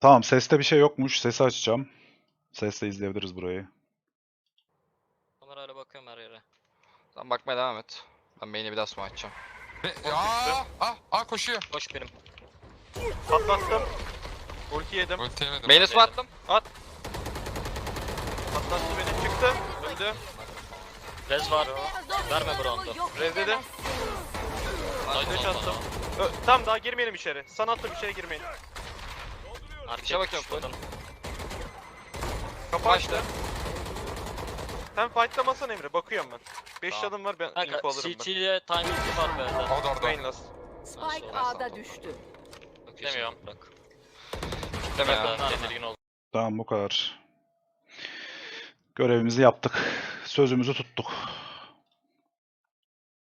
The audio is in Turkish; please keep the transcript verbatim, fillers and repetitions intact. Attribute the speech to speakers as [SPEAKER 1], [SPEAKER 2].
[SPEAKER 1] Tamam, seste bir şey yokmuş. Sesi açacağım. Sesle izleyebiliriz burayı.
[SPEAKER 2] Kamerayla bakıyorum her yere.
[SPEAKER 3] Sen bakmaya devam et. Ben main'e bir daha smoke açacağım.
[SPEAKER 4] Be aa, ah, ah koşuyor.
[SPEAKER 2] Koş benim.
[SPEAKER 5] Patlattım. Ulti yedim.
[SPEAKER 4] Ulti yemedim.
[SPEAKER 3] Main'e smoke attım.
[SPEAKER 5] Patlattı beni. Çıktı. Öldü.
[SPEAKER 2] Rez var. Verme Brown'du.
[SPEAKER 5] Rezledi. Flash attım. Ö tamam daha girmeyelim içeri. Sana attım içeri girmeyin.
[SPEAKER 3] İşe bakıyorum full.
[SPEAKER 5] Kapı
[SPEAKER 3] Başla.
[SPEAKER 5] açtı. Sen fight'lamasan Emre. Bakıyorum ben. beş
[SPEAKER 2] Tamam.
[SPEAKER 5] canım var ben
[SPEAKER 2] Kanka
[SPEAKER 5] info alırım
[SPEAKER 2] C
[SPEAKER 5] ben.
[SPEAKER 2] T'ye timing'i var B'den.
[SPEAKER 4] O da orada.
[SPEAKER 5] Main last.
[SPEAKER 6] Spike A'da düştü.
[SPEAKER 2] Demiyorum. Bak.
[SPEAKER 3] Deme ya.
[SPEAKER 2] Ben tedirgin oldum.
[SPEAKER 1] Tamam, bu kadar. Görevimizi yaptık. Sözümüzü tuttuk.